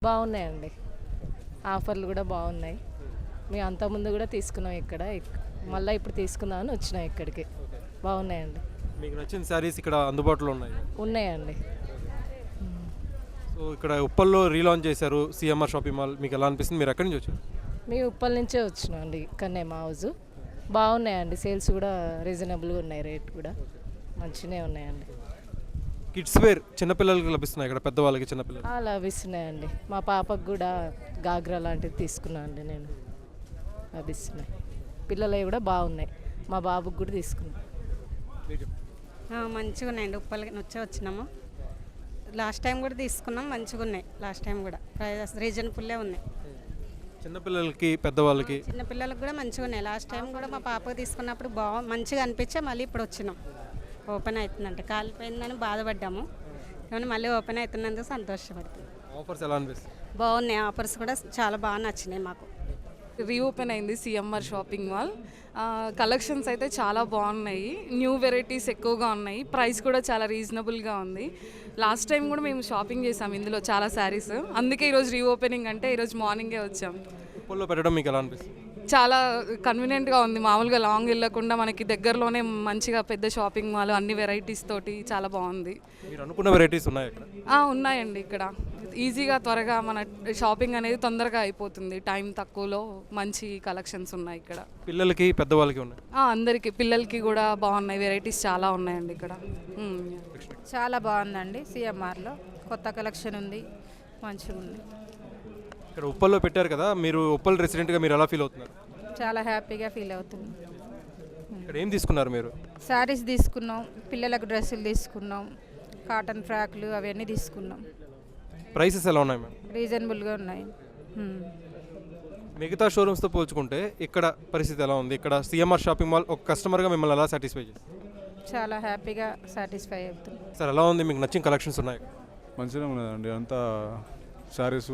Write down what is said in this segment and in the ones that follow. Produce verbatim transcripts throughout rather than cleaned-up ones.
బాగున్నాయండి. ఆఫర్లు కూడా బాగున్నాయి. మేము అంతకుముందు కూడా తీసుకున్నాం ఇక్కడ. ఇక్- మళ్ళీ ఇప్పుడు తీసుకుందామని వచ్చినాం ఇక్కడికి. బాగున్నాయండి. మీకు నచ్చిన శారీస్ ఇక్కడ అందుబాటులో ఉన్నాయి. ఉన్నాయండి. సో ఇక్కడ ఉప్పల్లో రీలాంచ్ చేశారు సిఎంఆర్ షాపింగ్ మాల్. మీకు ఎలా అనిపిస్తుంది? మీరు ఎక్కడి నుంచి వచ్చారు? మేము ఉప్పల్ నుంచే వచ్చినాం అండి. ఇక్కడనే మా హౌజు. బాగున్నాయండి. సేల్స్ కూడా రీజనబుల్గా ఉన్నాయి. రేట్ కూడా మంచిగానే ఉన్నాయండి. కిడ్స్ వేర్ చిన్నపిల్లలకి లభిస్తున్నాయి ఇక్కడ, పెద్దవాళ్ళకి చిన్నపిల్లలు. ఆ, లభిస్తున్నాయండి. మా పాపకు కూడా గాగ్రా లాంటిది తీసుకున్నాను అండి నేను. లభిస్తున్నాయి. పిల్లలవి కూడా బాగున్నాయి. మా బాబుకి కూడా తీసుకున్నాం. మంచిగా ఉన్నాయండి. ఉప్పలకి వచ్చే వచ్చినాము. లాస్ట్ టైం కూడా తీసుకున్నాం. మంచిగా ఉన్నాయి. లాస్ట్ టైం కూడా ప్రైజెస్ రీజనబుల్లే ఉన్నాయి. చిన్నపిల్లలకి పెద్దవాళ్ళకి చిన్నపిల్లలకు కూడా మంచిగా ఉన్నాయి. లాస్ట్ టైం కూడా మా పాపకు తీసుకున్నప్పుడు బాగా మంచిగా అనిపించే మళ్ళీ ఇప్పుడు వచ్చినాం. ఓపెన్ అవుతుందంటే కాలిపోయిందని బాధపడ్డాము, కానీ మళ్ళీ ఓపెన్ అవుతున్నందుకు సంతోషపడుతుంది. ఆఫర్స్ ఎలా అనిపిస్తుంది? బాగున్నాయి. ఆఫర్స్ కూడా చాలా బాగా నచ్చినాయి మాకు. రీఓపెన్ అయింది సిఎంఆర్ షాపింగ్ మాల్. కలెక్షన్స్ అయితే చాలా బాగున్నాయి. న్యూ వెరైటీస్ ఎక్కువగా ఉన్నాయి. ప్రైస్ కూడా చాలా రీజనబుల్గా ఉంది. లాస్ట్ టైం కూడా మేము షాపింగ్ చేసాం ఇందులో చాలా శారీస్. అందుకే ఈరోజు రీఓపెనింగ్ అంటే ఈరోజు మార్నింగే వచ్చాం. ఉప్పల్లో పెట్టడం మీకు ఎలా అనిపిస్తుంది? చాలా కన్వీనియంట్గా ఉంది. మామూలుగా లాంగ్ వెళ్ళకుండా మనకి దగ్గరలోనే మంచిగా పెద్ద షాపింగ్ మాల్, అన్ని వెరైటీస్ తోటి చాలా బాగుంది. మీరు అనుకున్న వెరైటీస్ ఉన్నాయి ఇక్కడ? ఆ, ఉన్నాయండి. ఇక్కడ ఈజీగా త్వరగా మన షాపింగ్ అనేది తొందరగా అయిపోతుంది. టైం తక్కువలో మంచి కలెక్షన్స్ ఉన్నాయి ఇక్కడ. పిల్లలకి పెద్దవాళ్ళకి ఉన్నాయి. ఆ, అందరికీ పిల్లలకి కూడా బాగున్నాయి. వెరైటీస్ చాలా ఉన్నాయండి ఇక్కడ. మ్మ్. చాలా బాగుందండి. సిఎంఆర్లో కొత్త కలెక్షన్ ఉంది. మంచిగా ఉంది. ఇక్కడ ఉప్పల్లో పెట్టారు కదా, మీరు ఉప్పల్ రెసిడెంట్గా మీరు ఎలా ఫీల్ అవుతున్నారు? చాలా హ్యాపీగా ఫీల్ అవుతుంది. ఇక్కడ ఏం తీసుకున్నారు మీరు? శారీస్ తీసుకున్నాం, పిల్లలకు డ్రెస్సులు తీసుకున్నాం, కాటన్ ఫ్రాక్లు అవన్నీ తీసుకున్నాం. ప్రైసెస్ ఎలా ఉన్నాయి మ్యామ్? రీజనబుల్గా ఉన్నాయి. హ్మ్. మిగతా షోరూమ్స్తో పోల్చుకుంటే ఇక్కడ పరిస్థితి ఎలా ఉంది? ఇక్కడ సిఎంఆర్ షాపింగ్ మాల్ ఒక కస్టమర్గా మిమ్మల్ని ఎలా సాటిస్ఫై చేస్తుంది? చాలా హ్యాపీగా సాటిస్ఫై అవుతుంది. సార్ ఎలా ఉంది? మీకు నచ్చిన కలెక్షన్స్ ఉన్నాయి? మంచిగా ఉన్నదండి. అంతా శారీసు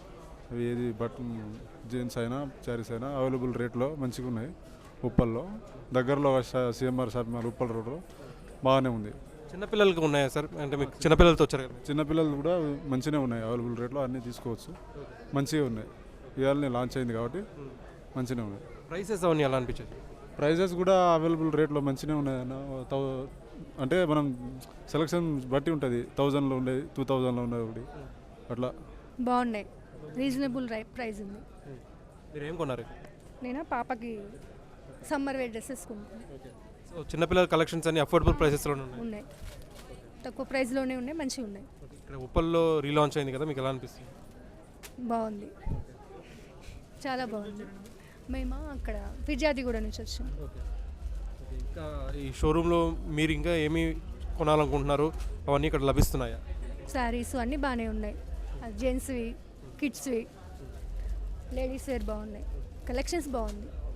ఏది బటన్ జీన్స్ అయినా శారీస్ అయినా అవైలబుల్ రేట్లో మంచిగా ఉన్నాయి. ఉప్పల్లో దగ్గరలో సిఎంఆర్ షాపింగ్ మాల్ ఉప్పల్ రోడ్లో బాగానే ఉంది. చిన్నపిల్లలకి ఉన్నాయా సార్? అంటే మీకు చిన్నపిల్లలతో వచ్చారు కదా? చిన్నపిల్లలు కూడా మంచిగానే ఉన్నాయి. అవైలబుల్ రేట్లో అన్నీ తీసుకోవచ్చు. మంచిగా ఉన్నాయి. ఇవాళ లాంచ్ అయింది కాబట్టి మంచిగానే ఉన్నాయి. ప్రైసెస్ అవన్నీ ఎలా అనిపించాయి? ప్రైజెస్ కూడా అవైలబుల్ రేట్లో మంచిగానే ఉన్నాయి అన్న. థౌ అంటే మనం సెలక్షన్ బట్టి ఉంటుంది. థౌజండ్లో ఉండేది, టూ థౌజండ్లో ఉండేది ఒకటి అట్లా బాగున్నాయి. రీజనబుల్ రై ప్రైస్ ఉంది. మీరు ఏం కొన్నారు? నేను పాపకి సమ్మర్ వేర్ డ్రెస్సెస్ కొనుక్కున్నాను. సో చిన్నపిల్లల కలెక్షన్స్ అన్ని అఫోర్డబుల్ ప్రైసెస్లోనే ఉన్నాయి. ఉన్నాయి. తక్కువ ప్రైస్లోనే ఉన్నాయి. మంచిగా ఉన్నాయి. ఇక్కడ ఉప్పల్లో రీలాంచ్ అయింది కదా, మీకు ఎలా అనిపిస్తుంది? బాగుంది. చాలా బాగుంది. మేము అక్కడ ఫిర్యాదిగూడ నుంచి వచ్చాం. ఇంకా ఈ షోరూంలో మీరు ఇంకా ఏమి కొనాలనుకుంటున్నారు? అవన్నీ ఇక్కడ లభిస్తున్నాయా? శారీస్ అన్నీ బాగానే ఉన్నాయి. జెంట్స్వి, కిడ్స్వి, లేడీస్ వేర్ బాగున్నాయి. కలెక్షన్స్ బాగుంది.